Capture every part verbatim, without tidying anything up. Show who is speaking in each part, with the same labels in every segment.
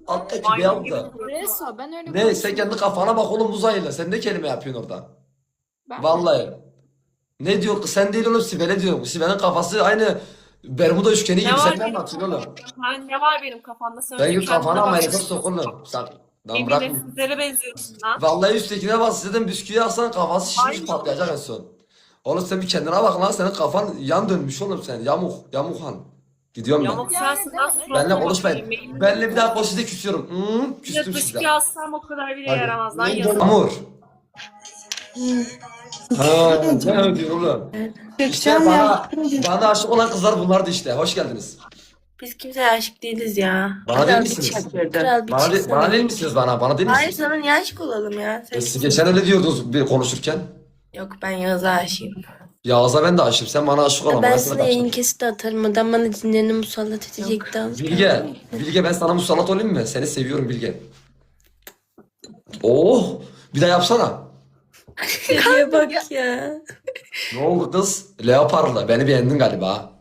Speaker 1: Alttaki
Speaker 2: Maymun
Speaker 1: beyaz da.
Speaker 2: gibi.
Speaker 3: Reso ben öyle
Speaker 1: Ne sen kendi kafana bak oğlum uzayla. Sen ne kelime yapıyorsun orada?
Speaker 3: Ben
Speaker 1: Vallahi. Ne diyor kız sen değil oğlum Sibel'e diyorum. Sibel'in kafası aynı Bermuda üçgeni
Speaker 2: Ne
Speaker 1: gibi.
Speaker 2: var
Speaker 1: Sen ne
Speaker 2: benim
Speaker 1: anlatıyorsun oğlum?
Speaker 2: Ha, ne var benim kafamda? Sen
Speaker 1: Sen
Speaker 2: önce
Speaker 1: git
Speaker 2: kendine
Speaker 1: kafana
Speaker 2: bak.
Speaker 1: ameliyata sok oğlum. Sen, lan bırak.
Speaker 2: Emine sizlere benziyorsun lan.
Speaker 1: Vallahi üsttekine bak size bisküvi alsan kafası şişmiş
Speaker 2: Aynen.
Speaker 1: patlayacak en son. Oğlum sen bir kendine bak lan senin kafan yan dönmüş oğlum sen. Yamuk. Yamuk han. Gidiyorum ben.
Speaker 2: Yamuk sensin lan.
Speaker 1: Benle
Speaker 2: suratına
Speaker 1: konuşmayın.
Speaker 2: bakayım.
Speaker 1: Benle bir daha konuş size küsüyorum. Hmm,
Speaker 2: Bir
Speaker 1: küstüm
Speaker 2: de dış
Speaker 1: size.
Speaker 2: bir alsam o kadar bile
Speaker 1: Hadi.
Speaker 2: yaramaz lan yazık.
Speaker 1: Amur. Ha, ne ödüyor oğlum? İşte bana, bana aşık olan kızlar bunlardı işte. Hoş geldiniz.
Speaker 4: Biz kimseye aşık değiliz ya.
Speaker 1: Bana
Speaker 4: Kral
Speaker 1: değil
Speaker 4: bir
Speaker 1: misiniz?
Speaker 4: çakırdı.
Speaker 3: Kral bir
Speaker 1: Bana, de-
Speaker 3: çıksana.
Speaker 1: bana değil misiniz bana? Bana değil
Speaker 4: Hayır
Speaker 1: misiniz?
Speaker 4: sana niye aşık olalım ya? Sen
Speaker 1: E, siz geçen öyle diyordunuz bir konuşurken.
Speaker 4: Yok ben Yağız'a aşığım.
Speaker 1: Yağız'a ben de aşığım. Sen bana aşık olan.
Speaker 3: Ben
Speaker 1: sana
Speaker 3: sana
Speaker 1: kaçtım.
Speaker 3: yayın kesiti atarım. Adam bana cinlerini musallat edecekti az.
Speaker 1: Bilge. Bilge ben sana musallat olayım mı? Seni seviyorum Bilge. Oh. Bir daha yapsana.
Speaker 3: Şuraya bak ya.
Speaker 1: Ne oldu kız? Leoparla. Beni beğendin galiba.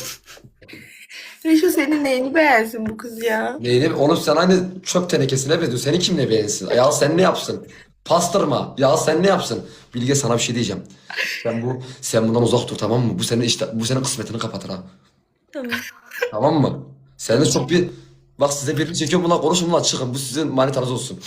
Speaker 4: Reşo senin neyini beğensin bu kız ya?
Speaker 1: Neyini? Oğlum sen aynı çöp tenekesine benziyorsun. Seni kim ne beğensin? Ya sen ne yapsın? Pastırma. Ya sen ne yapsın? Bilge sana bir şey diyeceğim. Sen bu sen bundan uzak dur tamam mı? Bu senin işte bu senin kısmetini kapatır ha.
Speaker 3: Tamam.
Speaker 1: Tamam mı? Sen de çok bir bak size birini çekiyorum bunlar konuşun bunlar çıkın. Bu sizin manitanız olsun.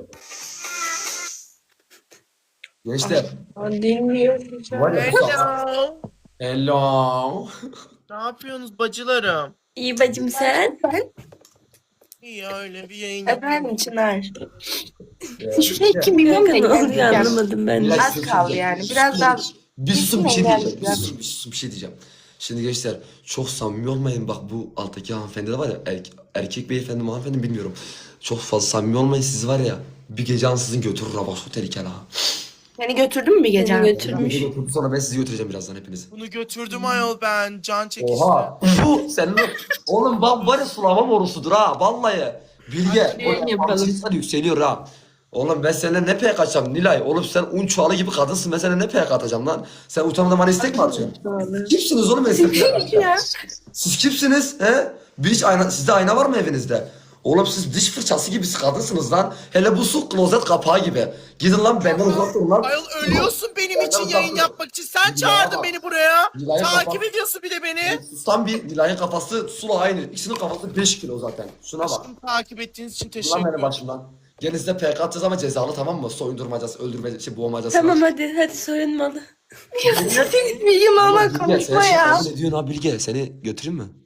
Speaker 1: Gençler.
Speaker 4: Dinliyorum.
Speaker 1: Var ya bu saat-
Speaker 5: Hello.
Speaker 1: Hello.
Speaker 5: Ne yapıyorsunuz bacılarım?
Speaker 3: İyi bacım sen.
Speaker 5: İyi öyle bir yayın
Speaker 4: Efendim Çınar.
Speaker 1: Ee,
Speaker 4: Şu şey kim bilmiyorum da
Speaker 3: Kanka ne oluyor
Speaker 4: gelmeyeceğim.
Speaker 3: anlamadım ben de.
Speaker 1: Biraz
Speaker 4: Az
Speaker 1: sessiz
Speaker 4: kaldı
Speaker 1: olun.
Speaker 4: yani,
Speaker 1: Bir
Speaker 4: biraz
Speaker 1: susun,
Speaker 4: daha-
Speaker 1: Bir susun bir şey
Speaker 4: Kesin
Speaker 1: diyeceğim. Bir
Speaker 4: engelli
Speaker 1: susun, bir susun bir şey diyeceğim. Şimdi gençler çok samimi olmayın. Bak bu alttaki hanımefendi de var ya erkek, erkek beyefendi mi hanımefendi bilmiyorum. Çok fazla samimi olmayın siz var ya. Bir gece ansızın götürür ha bak çok tehlikeli ha.
Speaker 4: Seni götürdün mü gece?
Speaker 3: Seni götürmüş.
Speaker 1: Gece götürdü, sonra ben sizi götüreceğim birazdan hepinizi.
Speaker 5: Bunu götürdüm ayol ben. Can çekişti.
Speaker 1: Oha. Bu senin oğlum bak var ya sulama borusudur ha vallahi. Bilge.
Speaker 3: Hadi yapalım.
Speaker 1: Yapalım. Yükseliyor ha. Oğlum ben seninle ne pek atacağım Nilay? Oğlum sen un çuvalı gibi kadınsın. Ben seninle ne pek atacağım lan? Sen utanmadan bana istek mi atıyorsun? Kimsiniz oğlum ben size pek atacağım? Siz kimsiniz? He? Bir hiç ayna, sizde ayna var mı evinizde? Oğlum siz diş fırçası gibi kadınsınız lan. Hele bu su klozet kapağı gibi. Gidin lan benden uzak durun lan.
Speaker 5: Ayol ölüyorsun benim
Speaker 1: Benden
Speaker 5: için
Speaker 1: uzak
Speaker 5: yayın
Speaker 1: durun.
Speaker 5: yapmak için. Sen
Speaker 1: Nilay'a
Speaker 5: çağırdın
Speaker 1: bak.
Speaker 5: beni buraya.
Speaker 1: Nilay'a
Speaker 5: Takip
Speaker 1: bak.
Speaker 5: ediyorsun bir de beni.
Speaker 1: Sustan bir Nilay'ın kafası sula aynı. İkisinin kafası beş kilo zaten. Şuna bak.
Speaker 5: Aşkım takip ettiğiniz için
Speaker 1: Ulan
Speaker 5: teşekkür
Speaker 1: benim
Speaker 5: ederim.
Speaker 1: başımdan. Gelin size P K atacağız ama cezalı tamam mı? Soyundurmacası, öldürmece, şey boğmacası
Speaker 3: Tamam
Speaker 1: var.
Speaker 3: hadi hadi soyunmalı.
Speaker 4: Senin bilgim ama
Speaker 1: Bilge, sen
Speaker 4: konuşma
Speaker 1: şimdi
Speaker 4: ya.
Speaker 1: kabul ediyorsun ha Bilge. Seni götüreyim mi?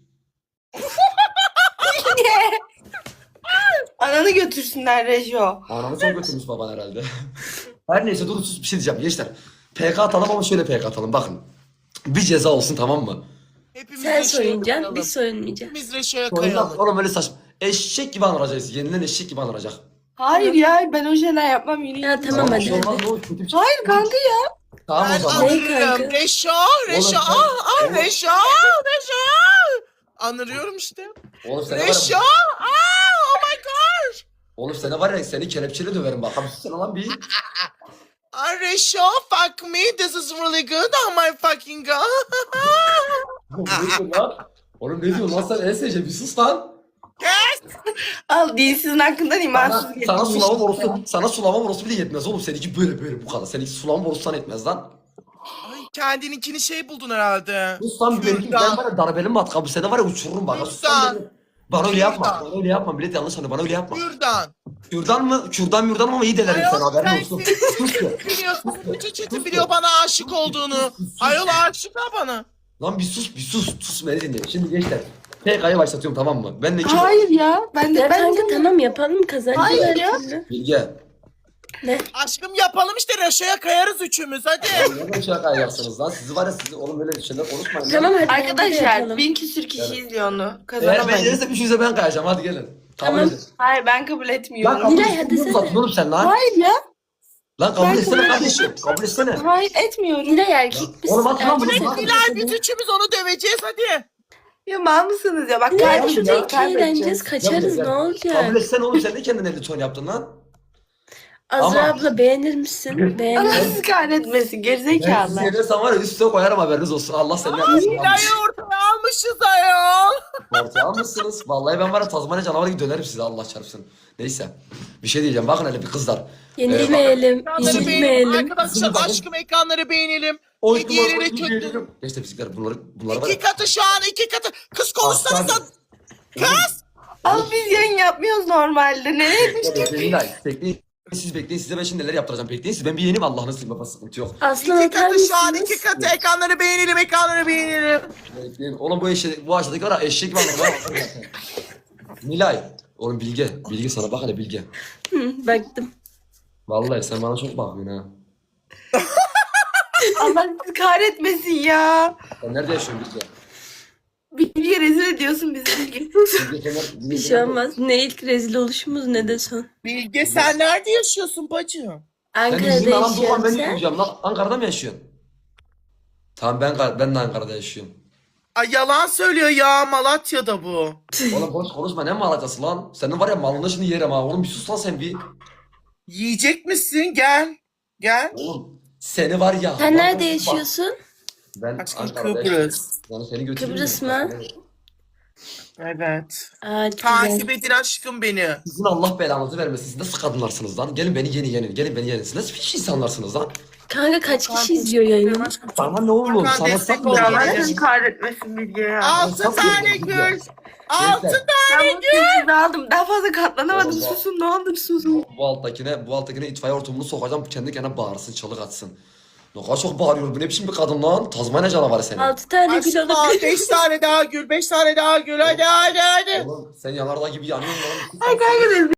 Speaker 4: Ananı götürsünler Reşo.
Speaker 1: Anamı çok götürmüş baban herhalde. Her neyse dur sus bir şey diyeceğim gençler. P K atalım ama şöyle P K atalım bakın. Bir ceza olsun tamam mı?
Speaker 5: Hepimiz
Speaker 3: Sen
Speaker 5: Reşo'ya
Speaker 3: soyunacaksın
Speaker 5: kayalım.
Speaker 3: biz soyunmayacağız.
Speaker 5: Hepimiz Reşo'ya
Speaker 1: Oyundan
Speaker 5: kayalım.
Speaker 1: oğlum öyle saçma. Eşek gibi anılacağız. Yenilen eşek gibi anılacak.
Speaker 4: Hayır ya ben o şeyler yapmam yürüyün.
Speaker 3: Ya tamam
Speaker 1: bir
Speaker 3: hadi
Speaker 1: şey olmaz,
Speaker 3: hadi.
Speaker 1: ne olur, kötü bir şey.
Speaker 4: Hayır kanka ya.
Speaker 1: Tamam
Speaker 5: Ben
Speaker 1: o zaman.
Speaker 3: Ne
Speaker 5: anırıyorum.
Speaker 3: kanka?
Speaker 5: Reşo, Reşo,
Speaker 1: Oğlum sen-
Speaker 5: ah, ah,
Speaker 1: Oğlum-
Speaker 5: Reşo, Reşo. Anırıyorum işte.
Speaker 1: Oğlum seni var
Speaker 5: Reşo,
Speaker 1: ya.
Speaker 5: ah, oh my gosh.
Speaker 1: Oğlum seni var ya seni kelepçeyle döverim bak. Abi sen lan bir.
Speaker 5: Ah, Reşo, fuck me. This is really good. Oh my fucking god.
Speaker 1: Oğlum ne diyorsun lan? Oğlum ne diyorsun lan sen E S C bir sus lan.
Speaker 4: Al dinsizin hakkından imansız
Speaker 1: Sana,
Speaker 4: getirmiş.
Speaker 1: sana sulama borusu, sana sulama borusu bile yetmez oğlum. Seninki böyle böyle bu kadar. Seninki sulama borusu sana yetmez lan.
Speaker 5: Ay kendininkini şey buldun herhalde.
Speaker 1: Sus lan benimki
Speaker 5: Kürdan.
Speaker 1: ben var ya darbeli matkabı seni var ya uçururum bak. Sus lan
Speaker 5: Kürdan.
Speaker 1: beni. Bana öyle yapma.
Speaker 5: Kürdan.
Speaker 1: Bana öyle yapma. Millet yanlış anlıyor. Bana öyle yapma.
Speaker 5: Kürdan.
Speaker 1: Kürdan mı? Kürdan mürdan ama iyi delerim
Speaker 5: Ayol
Speaker 1: seni haberin
Speaker 5: sen
Speaker 1: olsun.
Speaker 5: senin
Speaker 1: Sus ya.
Speaker 5: biliyorsun. Bütün çetin biliyor bana aşık olduğunu. Ayol aşık ha bana.
Speaker 1: Lan bir sus bir sus. Sus beni dinle. Şimdi gençler. P K'yı başlatıyorum tamam mı? Ben de kim?
Speaker 4: Hayır ya. Ben de
Speaker 3: Ya
Speaker 4: ben
Speaker 3: kanka tamam yapalım kazanacağız
Speaker 4: Hayır
Speaker 3: her
Speaker 4: ya.
Speaker 3: türlü.
Speaker 1: Bilge.
Speaker 5: Aşkım yapalım işte Reşo'ya kayarız üçümüz hadi.
Speaker 1: Neden şey kayacaksınız lan? Sizi var ya sizi oğlum böyle şeyler konuşmayın.
Speaker 3: Tamam
Speaker 1: lan.
Speaker 3: hadi bence de
Speaker 4: Arkadaşlar
Speaker 3: yapalım.
Speaker 4: bin küsür kişi
Speaker 1: Evet.
Speaker 4: izliyor onu.
Speaker 1: Eğer ben
Speaker 4: Kazanamayız.
Speaker 1: gelirsem üçünüze ben kayacağım. Hadi gelin. Kabul
Speaker 3: Tamam.
Speaker 1: edin.
Speaker 4: Hayır ben kabul
Speaker 1: Lan
Speaker 4: etmiyorum.
Speaker 1: kabul
Speaker 3: Nilay, hadi
Speaker 1: etsene.
Speaker 3: sen.
Speaker 1: Uzatın oğlum sen lan.
Speaker 4: Hayır ya.
Speaker 1: Lan kabul
Speaker 4: Ben
Speaker 1: etsene
Speaker 4: kabul
Speaker 1: kardeşim. Kabul etsene.
Speaker 4: Hayır etmiyorum.
Speaker 3: Nilay erkek misin?
Speaker 1: Oğlum at lan
Speaker 3: Erkek
Speaker 1: bunu,
Speaker 3: misin?
Speaker 1: lan.
Speaker 5: Bilal biz üçümüz onu döveceğiz hadi.
Speaker 4: Ya mal mısınız ya? Bak
Speaker 3: Nilay
Speaker 4: kaybedeceğiz.
Speaker 3: şurada iki eğleneceğiz kaçarız
Speaker 1: Ya,
Speaker 3: ne olacak?
Speaker 1: Kabul etsene oğlum sen de kendine elli ton yaptın lan.
Speaker 3: Azra
Speaker 1: Ama-
Speaker 3: abla beğenir misin? Beğenir.
Speaker 4: Allah sizi kahretmesin
Speaker 1: Ben
Speaker 4: gerizekalı.
Speaker 1: sizi yenersem var ya üstüne koyarım haberiniz olsun. Allah senden yapmasın.
Speaker 5: Nilay'ı ortaya almışız ayol.
Speaker 1: Ortaya almışsınız. Vallahi ben var ya Tazmanya canavarı gibi dönerim size Allah çarpsın. Neyse. Bir şey diyeceğim. Bakın hele bir kızlar.
Speaker 3: Yenilmeyelim.
Speaker 5: Ekranları beğenelim.
Speaker 3: Yenilmeyelim.
Speaker 5: Arkadaşlar
Speaker 1: Bakın.
Speaker 5: aşkım ekranları beğenelim.
Speaker 1: Oy,
Speaker 5: Hediyeleri kötü.
Speaker 1: Geçte fizikler bunları bunları var
Speaker 5: İki
Speaker 1: ya.
Speaker 5: katı şu an iki katı. Kız konuşsanıza. Kız.
Speaker 4: Al biz yayın yapmıyoruz normalde. Nereye düştük?
Speaker 1: Bekleyin Nilay. Bekleyin. Siz bekleyin. Size ben şimdi neler yaptıracağım. Bekleyin. Siz ben bir yeneyim Allah'ını seveyim. Baba sıkıntı yok.
Speaker 3: Aslan
Speaker 5: İki
Speaker 3: atar
Speaker 5: katı şu an
Speaker 3: mısınız?
Speaker 5: iki katı. Ekranları beğenelim ekranları beğenelim.
Speaker 1: Bekleyin. Oğlum bu eşek, bu aşağıdaki var ya eşek gibi anlatmaya başladı zaten. Nilay. Oğlum Bilge. Bilge sana bak hele Bilge.
Speaker 3: Hı, baktım.
Speaker 1: Vallahi sen bana çok bakıyorsun ha.
Speaker 4: Allah sizi kahretmesin ya.
Speaker 1: Sen nerede yaşıyorsun Bilge?
Speaker 4: Bilgiye rezil ediyorsun bizi Bilge.
Speaker 1: Bilge kenar.
Speaker 3: Bir şey olmaz. Ne ilk rezil oluşumuz ne de son.
Speaker 5: Bilge sen nerede yaşıyorsun bacım?
Speaker 1: Ben
Speaker 3: Ankara'da
Speaker 1: İzmir'de lan bu
Speaker 3: yaşıyorum
Speaker 1: ben
Speaker 3: sen.
Speaker 1: yıkılacağım lan. Ankara'da mı yaşıyorsun? Tamam ben ben de Ankara'da yaşıyorum.
Speaker 5: Ay yalan söylüyor ya Malatya'da bu.
Speaker 1: Oğlum boş konuşma ne Malatya'sı lan? Senin var ya malını şimdi yerim ha. Oğlum bir sus lan sen bir.
Speaker 5: Yiyecek misin? Gel. Gel.
Speaker 1: Oğlum seni var ya.
Speaker 3: Sen
Speaker 1: Bak-
Speaker 3: nerede
Speaker 1: bak-
Speaker 3: yaşıyorsun?
Speaker 1: Ben
Speaker 5: Aşkım
Speaker 1: Ankara'da yaşıyorum.
Speaker 5: Kıbrıs.
Speaker 1: Yani seni götürürüm.
Speaker 3: Kıbrıs mı?
Speaker 5: Evet.
Speaker 3: Aa,
Speaker 5: Takip
Speaker 3: güzel.
Speaker 5: edin aşkım beni.
Speaker 1: Sizin Allah belanızı vermesin. Siz nasıl kadınlarsınız lan? Gelin beni yeni yenin. Gelin beni yenin. Siz nasıl hiç insanlarsınız lan?
Speaker 3: Kanka kaç kişi izliyor yayını?
Speaker 1: Sana ne oğlum?
Speaker 5: Hakan
Speaker 1: Sana
Speaker 5: destek
Speaker 1: sakmıyor.
Speaker 5: ol.
Speaker 4: Allah
Speaker 5: Yani.
Speaker 4: sizi kahretmesin Bilge ya.
Speaker 5: Altı
Speaker 1: Çok
Speaker 5: tane
Speaker 1: güzel.
Speaker 5: gül. Altı
Speaker 1: Gençler,
Speaker 4: Ben bu sessiz aldım. Daha fazla katlanamadım.
Speaker 1: Oğlum,
Speaker 4: Susun ne olur susun.
Speaker 1: Bu alttakine, bu alttakine itfaiye hortumunu sokacağım. Kendi kendine bağırsın, çalık atsın. Ne kadar çok bağırıyor. Bu ne biçim bir kadın lan? Tazmanya canavarı senin.
Speaker 3: Altı tane gül
Speaker 5: Aşkım
Speaker 3: alabilir.
Speaker 5: beş tane daha gül. Beş tane daha gül. Hadi hadi hadi.
Speaker 1: Oğlum sen yanardağ gibi yanıyorsun lan.
Speaker 4: Ay kanka